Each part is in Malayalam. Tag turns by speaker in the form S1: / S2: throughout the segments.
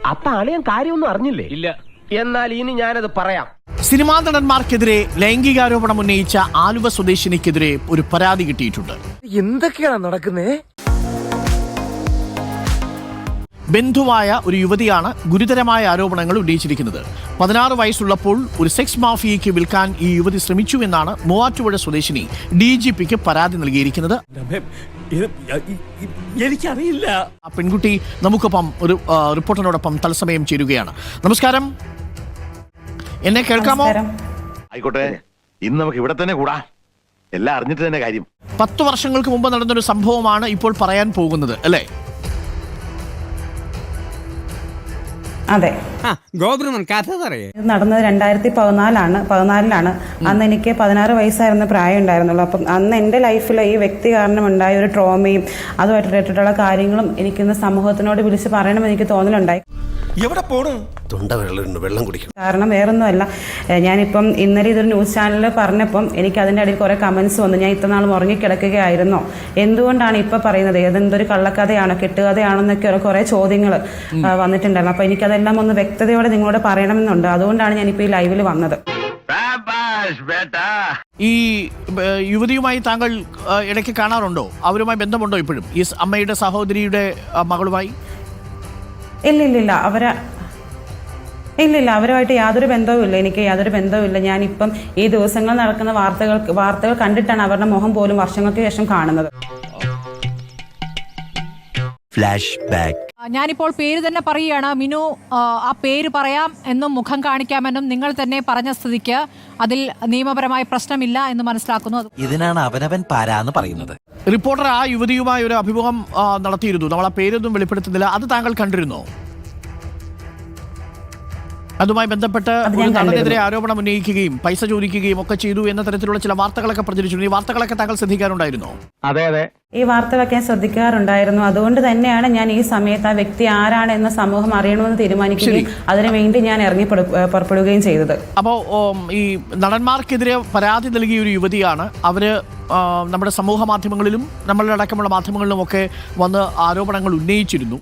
S1: അപ്പൊ അളിയൻ കാര്യമൊന്നും അറിഞ്ഞില്ലേ? ഇല്ല. എന്നാൽ ഇനി ഞാനത് പറയാം.
S2: സിനിമാ നടന്മാർക്കെതിരെ ലൈംഗികാരോപണം ഉന്നയിച്ച ആലുവ സ്വദേശിനിക്കെതിരെ ഒരു പരാതി കിട്ടിയിട്ടുണ്ട്.
S1: എന്തൊക്കെയാണ് നടക്കുന്നേ?
S2: ബന്ധുവായ ഒരു യുവതിയാണ് ഗുരുതരമായ ആരോപണങ്ങൾ ഉന്നയിച്ചിരിക്കുന്നത്. 16 വയസ്സുള്ളപ്പോൾ ഒരു സെക്സ് മാഫിയയ്ക്ക് വിൽക്കാൻ ഈ യുവതി ശ്രമിച്ചു എന്നാണ് മൂവാറ്റുപുഴ സ്വദേശിനി DGPക്ക് പരാതി നൽകിയിരിക്കുന്നത്.
S1: എനിക്കറിയില്ല.
S2: ആ പെൺകുട്ടി നമുക്കൊപ്പം ഒരു റിപ്പോർട്ടറിനോടൊപ്പം തത്സമയം ചേരുകയാണ്. നമസ്കാരം, എന്നെ കേൾക്കാമോ?
S3: ആയിക്കോട്ടെ, ഇന്ന് നമുക്ക് ഇവിടെ തന്നെ കൂടാ. എല്ലാം അറിഞ്ഞിട്ട് തന്നെ കാര്യം.
S2: 10 വർഷങ്ങൾക്ക് മുമ്പ് നടന്നൊരു സംഭവമാണ് ഇപ്പോൾ പറയാൻ പോകുന്നത്, അല്ലേ?
S4: അതെ, ഇത് നടന്നത് 2014 അന്ന് എനിക്ക് 16 വയസ്സായിരുന്ന പ്രായം ഉണ്ടായിരുന്നുള്ളൂ. അപ്പം അന്ന് എൻ്റെ ലൈഫിൽ ഈ വ്യക്തി കാരണം ഉണ്ടായ ഒരു ട്രോമയും അതുമായിട്ട് റിലേറ്റഡുള്ള കാര്യങ്ങളും എനിക്കിന്ന് സമൂഹത്തിനോട് വിളിച്ച് പറയണമെന്ന് എനിക്ക് തോന്നലുണ്ടായി.
S5: എവിടെ പോണു?
S1: വെള്ളം കുടിക്കണം.
S4: കാരണം വേറൊന്നുമല്ല, ഞാനിപ്പം ഇന്നലെ ഇതൊരു ന്യൂസ് ചാനലിൽ പറഞ്ഞപ്പം എനിക്ക് അതിൻ്റെ ഇടയിൽ കുറേ കമൻസ് വന്നു. ഞാൻ ഇത്ര നാൾ ഉറങ്ങിക്കിടക്കുകയായിരുന്നോ, എന്തുകൊണ്ടാണ് ഇപ്പം പറയുന്നത്, ഏതെന്തൊരു കള്ളക്കഥയാണോ കെട്ടുകഥയാണോ എന്നൊക്കെ കുറേ ചോദ്യങ്ങൾ വന്നിട്ടുണ്ടായിരുന്നു. അപ്പോൾ എനിക്കതെല്ലാം ഒന്ന് വ്യക്തതയോടെ നിങ്ങളോട് പറയണമെന്നുണ്ട്. അതുകൊണ്ടാണ് ഞാനിപ്പോൾ ഈ ലൈവിൽ വന്നത്.
S2: ഈ യുവതിയുമായി താങ്കൾ ഇടയ്ക്ക് കാണാറുണ്ടോ? അവരുമായി ബന്ധമുണ്ടോ ഇപ്പോഴും, ഈ അമ്മയുടെ സഹോദരിയുടെ മകളുമായി?
S4: ഇല്ലില്ല, അവരുമായിട്ട് യാതൊരു ബന്ധവുമില്ല. എനിക്ക് യാതൊരു ബന്ധവുമില്ല. ഞാനിപ്പം ഈ ദിവസങ്ങൾ നടക്കുന്ന വാർത്തകൾ കണ്ടിട്ടാണ് അവരുടെ മുഖം പോലും വർഷങ്ങൾക്ക് ശേഷം കാണുന്നത്.
S6: ഞാനിപ്പോൾ പേര് തന്നെ പറയുകയാണ്. മിനു, ആ പേര് പറയാം എന്നും മുഖം കാണിക്കാമെന്നും നിങ്ങൾ തന്നെ പറഞ്ഞ സ്ഥിതിക്ക് അതിൽ നിയമപരമായ പ്രശ്നമില്ല എന്ന് മനസ്സിലാക്കുന്നു.
S5: ഇതിനാണ് അവനവൻ പാരാന്ന് പറയുന്നത്.
S2: റിപ്പോർട്ടർ ആ യുവതിയുമായി ഒരു അഭിമുഖം നടത്തിയിരുന്നു. നമ്മൾ ആ പേരൊന്നും വെളിപ്പെടുത്തുന്നില്ല. അത് താങ്കൾ കണ്ടിരുന്നോ? അതുമായി ബന്ധപ്പെട്ട് നടനെതിരെ ആരോപണം ഉന്നയിക്കുകയും പൈസ ചോദിക്കുകയും ഒക്കെ ചെയ്തു എന്ന തരത്തിലുള്ള ചില വാർത്തകളൊക്കെ പ്രചരിച്ചിരുന്നു. ഈ വാർത്തകളൊക്കെ താങ്കൾ ശ്രദ്ധിക്കാറുണ്ടായിരുന്നോ?
S1: അതെ,
S4: ഈ വാർത്തകളൊക്കെ ഞാൻ ശ്രദ്ധിക്കാറുണ്ടായിരുന്നു. അതുകൊണ്ട് തന്നെയാണ് ഞാൻ ഈ സമയത്ത് ആ വ്യക്തി ആരാണ് എന്ന സമൂഹം അറിയണമെന്ന് തീരുമാനിക്കുകയും അതിനുവേണ്ടി ഞാൻ പുറപ്പെടുകയും ചെയ്തത്.
S2: അപ്പോൾ ഈ നടന്മാർക്കെതിരെ പരാതി നൽകിയ ഒരു യുവതിയാണ്. അവര് നമ്മുടെ സമൂഹ മാധ്യമങ്ങളിലും നമ്മളുടെ അടക്കമുള്ള മാധ്യമങ്ങളിലും ഒക്കെ വന്ന് ആരോപണങ്ങൾ ഉന്നയിച്ചിരുന്നു.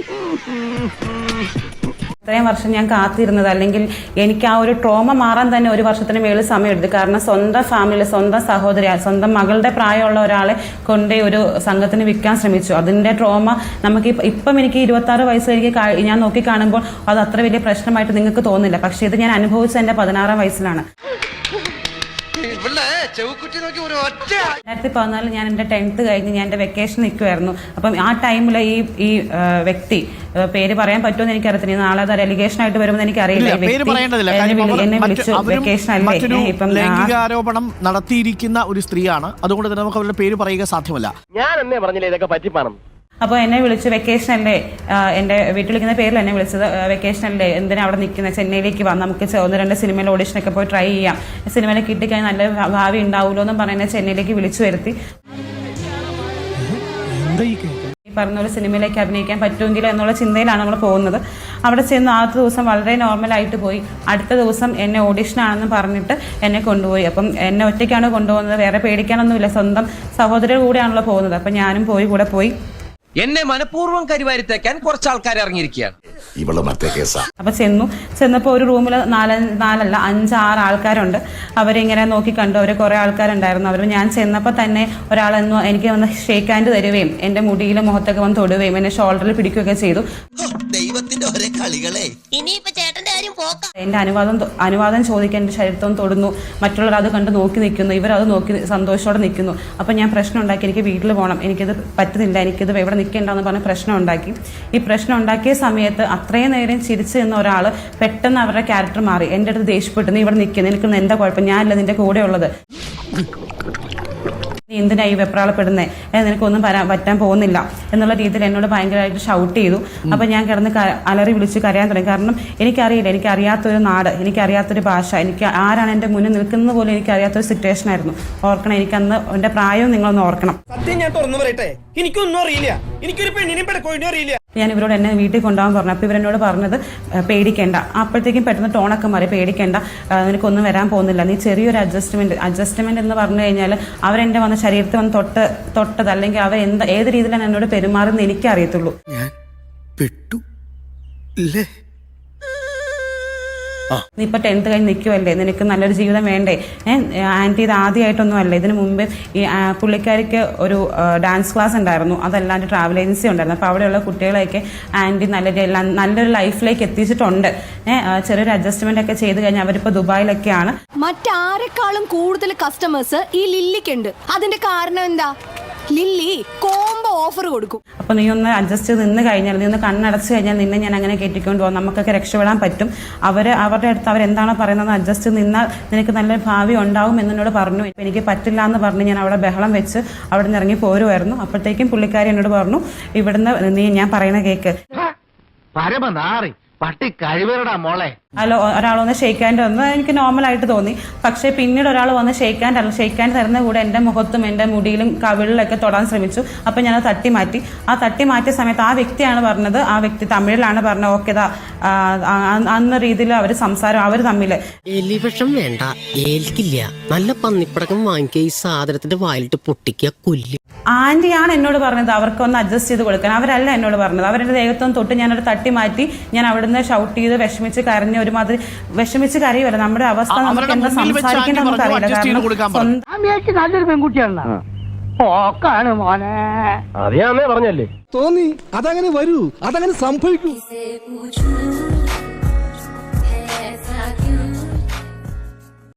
S4: ഇത്രയും വർഷം ഞാൻ കാത്തിരുന്നത്, അല്ലെങ്കിൽ എനിക്ക് ആ ഒരു ട്രോമ മാറാൻ തന്നെ 1 വർഷത്തിന് മേളിൽ സമയം എടുത്തു. കാരണം സ്വന്തം ഫാമിലി, സ്വന്തം സഹോദരി, സ്വന്തം മകളുടെ പ്രായമുള്ള ഒരാളെ കൊണ്ട് ഒരു സംഘത്തിന് വിൽക്കാൻ ശ്രമിച്ചു. അതിൻ്റെ ട്രോമ നമുക്ക് ഇപ്പം എനിക്ക് 26 വയസ്സിലേക്ക് ഞാൻ നോക്കി കാണുമ്പോൾ അത് അത്ര വലിയ പ്രശ്നമായിട്ട് നിങ്ങൾക്ക് തോന്നില്ല. പക്ഷേ ഇത് ഞാൻ അനുഭവിച്ചത് എൻ്റെ 16 വയസ്സിലാണ്. 2014 ഞാൻ എൻ്റെ 10th കഴിഞ്ഞ് ഞാൻ എൻ്റെ വെക്കേഷൻ നിൽക്കുമായിരുന്നു. അപ്പം ആ ടൈമിൽ ഈ വ്യക്തി, പേര് പറയാൻ പറ്റുമെന്ന് എനിക്കറിയത്തില്ല, നാളെ അത് അലിഗേഷൻ ആയിട്ട് വരുമെന്ന് എനിക്കറിയില്ല. എന്നെ വിളിച്ചു, വെക്കേഷൻ അല്ലേ, ഇപ്പം
S2: ലൈംഗികാരോപണം നടത്തിയിരിക്കുന്ന ഒരു സ്ത്രീയാണ്. അതുകൊണ്ട് തന്നെ നമുക്ക് അവരുടെ പേര് പറയുക സാധ്യമല്ല.
S1: ഞാൻ എന്നേ പറഞ്ഞില്ലേ ഇതൊക്കെ പറ്റിപ്പാണം.
S4: അപ്പോൾ എന്നെ വിളിച്ചു, വെക്കേഷൻ അല്ലേ, എൻ്റെ വീട്ടിൽ വിളിക്കുന്ന പേരിൽ എന്നെ വിളിച്ചത്, വെക്കേഷൻ അല്ലേ, എന്തിനാ അവിടെ നിൽക്കുന്നത്, ചെന്നൈയിലേക്ക് വന്ന് നമുക്ക് 1-2 സിനിമയിൽ ഓഡിഷനൊക്കെ പോയി ട്രൈ ചെയ്യാം, സിനിമയിൽ കിട്ടിക്കഴിഞ്ഞാൽ നല്ല ഭാവി ഉണ്ടാവുമല്ലോ എന്നും പറയുന്നത് ചെന്നൈയിലേക്ക് വിളിച്ചു വരുത്തി. പറഞ്ഞ ഒരു സിനിമയിലേക്ക് അഭിനയിക്കാൻ പറ്റുമെങ്കിലോ എന്നുള്ള ചിന്തയിലാണ് നമ്മൾ പോകുന്നത്. അവിടെ ചെന്ന് ആദ്യത്തെ ദിവസം വളരെ നോർമലായിട്ട് പോയി. അടുത്ത ദിവസം എന്നെ ഓഡിഷനാണെന്ന് പറഞ്ഞിട്ട് എന്നെ കൊണ്ടുപോയി. അപ്പം എന്നെ ഒറ്റയ്ക്കാണ് കൊണ്ടുപോകുന്നത്, വേറെ പേടിക്കാനൊന്നുമില്ല, സ്വന്തം സഹോദരിയുടെ കൂടെയാണല്ലോ പോകുന്നത്. അപ്പം ഞാനും കൂടെ പോയി.
S5: എന്നെ മനഃപൂർവ്വം കരിവാരിത്തേക്കാൻ കുറച്ച് ആൾക്കാർ ഇറങ്ങിയിരിക്കുകയാണ്.
S4: അപ്പൊ ചെന്നപ്പോ ഒരു റൂമിൽ 5-6 ആൾക്കാരുണ്ട്. അവരിങ്ങനെ നോക്കി കണ്ടു. അവർ കുറെ ആൾക്കാരുണ്ടായിരുന്നു. അവർ ഞാൻ ചെന്നപ്പോൾ തന്നെ ഒരാളെന്നു എനിക്ക് വന്ന് ഷേക്ക് ഹാൻഡ് തരുകയും എൻ്റെ മുടിയിലും മുഖത്തൊക്കെ വന്ന് തൊടുകയും എന്നെ ഷോൾഡറിൽ പിടിക്കുകയൊക്കെ ചെയ്തു. എന്റെ അനുവാദം ചോദിക്കാൻ എൻ്റെ ശരീരത്വം തൊടുന്നു. മറ്റുള്ളവർ അത് കണ്ട് നോക്കി നിൽക്കുന്നു. ഇവരത് നോക്കി സന്തോഷത്തോടെ നിൽക്കുന്നു. അപ്പം ഞാൻ പ്രശ്നം ഉണ്ടാക്കി, എനിക്ക് വീട്ടിൽ പോകണം, എനിക്കിത് പറ്റുന്നില്ല, എനിക്കിത് ഇവിടെ നിൽക്കേണ്ടെന്ന് പറഞ്ഞ് പ്രശ്നം ഉണ്ടാക്കി. ഈ പ്രശ്നം ഉണ്ടാക്കിയ സമയത്ത് അത്രയും നേരം ചിരിച്ചു നിന്ന ഒരാൾ പെട്ടെന്ന് അവരുടെ ക്യാരക്ടർ മാറി. എൻ്റെ അടുത്ത് ദേഷ്യപ്പെട്ടു, നീ ഇവിടെ നിൽക്കുന്നു, എനിക്കൊന്നും എന്താ കുഴപ്പം, ഞാനല്ല നിന്റെ കൂടെ ഉള്ളത്, നീ എന്തിനാ ഈ വെപ്രാളപ്പെടുന്നേ, നിനക്കൊന്നും പറ്റാൻ പോകുന്നില്ല എന്നുള്ള രീതിയിൽ എന്നോട് ഭയങ്കരമായിട്ട് ഷൗട്ട് ചെയ്തു. അപ്പം ഞാൻ കിടന്ന് അലറി വിളിച്ച് കരയാൻ തുടങ്ങി. കാരണം എനിക്കറിയില്ല, എനിക്കറിയാത്തൊരു നാട്, എനിക്കറിയാത്തൊരു ഭാഷ, എനിക്ക് ആരാണ് എൻ്റെ മുന്നിൽ നിൽക്കുന്നത് പോലും എനിക്കറിയാത്തൊരു സിറ്റുവേഷൻ ആയിരുന്നു. ഓർക്കണം, എനിക്കന്ന് എൻ്റെ പ്രായവും നിങ്ങളൊന്ന് ഓർക്കണം.
S5: സത്യം ഞാൻ തുറന്നു പറയട്ടെ, എനിക്കൊന്നും അറിയില്ല, എനിക്കൊരു പെണ്ണിനെയും പെടക്കോഴിനെയും അറിയില്ല.
S4: ഞാൻ ഇവരോട് എന്നെ വീട്ടിൽ കൊണ്ടുപോകാൻ പറഞ്ഞു. അപ്പോൾ ഇവരെന്നോട് പറഞ്ഞത് പേടിക്കേണ്ട. അപ്പോഴത്തേക്കും പെട്ടെന്ന് ടോണൊക്കെ മാറി, പേടിക്കേണ്ട, നിനക്കൊന്നും വരാൻ പോകുന്നില്ല, നീ ചെറിയൊരു അഡ്ജസ്റ്റ്മെന്റ് എന്ന് പറഞ്ഞു കഴിഞ്ഞാൽ അവരെൻ്റെ വന്ന ശരീരത്തിൽ വന്ന് തൊട്ടത് അല്ലെങ്കിൽ അവർ ഏത് രീതിയിലാണ് എന്നോട് പെരുമാറുന്നത് എനിക്കറിയത്തുള്ളൂ. നീ ഇപ്പൊ 10th കഴിഞ്ഞ് നിൽക്കുമല്ലേ, നിനക്ക് നല്ലൊരു ജീവിതം വേണ്ടേ? ആന്റി ഇത് ആദ്യമായിട്ടൊന്നും അല്ല, ഇതിനു മുമ്പ് ഈ പുള്ളിക്കാരിക്ക് ഒരു ഡാൻസ് ക്ലാസ് ഉണ്ടായിരുന്നു, അതല്ലാണ്ട് ട്രാവൽ ഏജൻസി ഉണ്ടായിരുന്നു. അപ്പോൾ അവിടെയുള്ള കുട്ടികളെയൊക്കെ ആന്റി നല്ലൊരു ലൈഫിലേക്ക് എത്തിച്ചിട്ടുണ്ട്. ചെറിയൊരു അഡ്ജസ്റ്റ്മെന്റ് ഒക്കെ ചെയ്ത് കഴിഞ്ഞാൽ അവരിപ്പോ ദുബായിലൊക്കെയാണ്.
S7: മറ്റാരെക്കാളും കൂടുതൽ കസ്റ്റമേഴ്സ് ഈ ലില്ലിക്കുണ്ട്. അതിന്റെ കാരണം എന്താ? ലില്ലി കോംബോ ഓഫർ കൊടുക്കും.
S4: അപ്പൊ നീ ഒന്ന് അഡ്ജസ്റ്റ് ചെയ്ത് നിന്ന് കഴിഞ്ഞാൽ, നീ ഒന്ന് കണ്ണടച്ച് കഴിഞ്ഞാൽ നിന്നെ ഞാൻ അങ്ങനെ കയറ്റിക്കൊണ്ട് പോകും, നമുക്കൊക്കെ രക്ഷപ്പെടാൻ പറ്റും. അവരുടെ അടുത്ത് അവരെന്താണോ പറയുന്നത് അഡ്ജസ്റ്റ് നിന്നാൽ നിനക്ക് നല്ല ഭാവി ഉണ്ടാവും എന്നോട് പറഞ്ഞു. എനിക്ക് പറ്റില്ല എന്ന് പറഞ്ഞ് ഞാൻ അവിടെ ബഹളം വെച്ച് അവിടെ നിന്ന് ഇറങ്ങി പോരുമായിരുന്നു. അപ്പോഴത്തേക്കും പുള്ളിക്കാരി എന്നോട് പറഞ്ഞു, ഇവിടുന്ന് നീ ഞാൻ പറയുന്ന കേക്ക്.
S1: പട്ടി കഴിവരടാ മോളെ.
S4: അല്ലോ ഒരാൾ ഷെയ്ക്ക് ഹാൻഡ് വന്ന് എനിക്ക് നോർമലായിട്ട് തോന്നി. പക്ഷേ പിന്നീട് ഒരാൾ വന്ന് ഷെയ്ക്ക് ഹാൻഡ് തരുന്ന കൂടെ എൻ്റെ മുഖത്തും എൻ്റെ മുടിയിലും കവിളിലൊക്കെ തൊടാൻ ശ്രമിച്ചു. അപ്പം ഞാനത് തട്ടി മാറ്റി. ആ തട്ടി മാറ്റിയ സമയത്ത് ആ വ്യക്തിയാണ് പറഞ്ഞത്, ആ വ്യക്തി തമിഴിലാണ് പറഞ്ഞത്, ഓക്കെ അന്ന രീതിയിൽ അവർ സംസാരം അവർ തമ്മിൽ.
S8: എലിവിഷം വേണ്ട, ഏൽക്കില്ല, നല്ല പന്നിപ്പടക്കം വാങ്ങിക്കുക, ഈ സാധനത്തിന്റെ വായിലിട്ട് പൊട്ടിക്കുക, കൊല്ല്.
S4: ആന്റിയാണ് എന്നോട് പറഞ്ഞത് അവർക്കൊന്ന് അഡ്ജസ്റ്റ് ചെയ്ത് കൊടുക്കാൻ, അവരല്ല എന്നോട് പറഞ്ഞത്. അവരുടെ ദേഹത്തൊന്നും തൊട്ട് ഞാനൊരു തട്ടി മാറ്റി. ഞാൻ അവിടുന്ന് ഷൗട്ട് ചെയ്ത് വിഷമിച്ച് കരഞ്ഞ് ഒരുമാതിരി വിഷമിച്ച് കരയുമല്ല. നമ്മുടെ അവസ്ഥ നമുക്ക് എന്താ സംസാരിക്കേണ്ട നമുക്കറിയില്ല. കാരണം
S1: നല്ലൊരു പെൺകുട്ടിയാണ് മോനെ. അറിയാമേ പറഞ്ഞല്ലേ
S5: തോന്നി അതങ്ങനെ വരൂ, അതങ്ങനെ സംഭവിക്കൂ.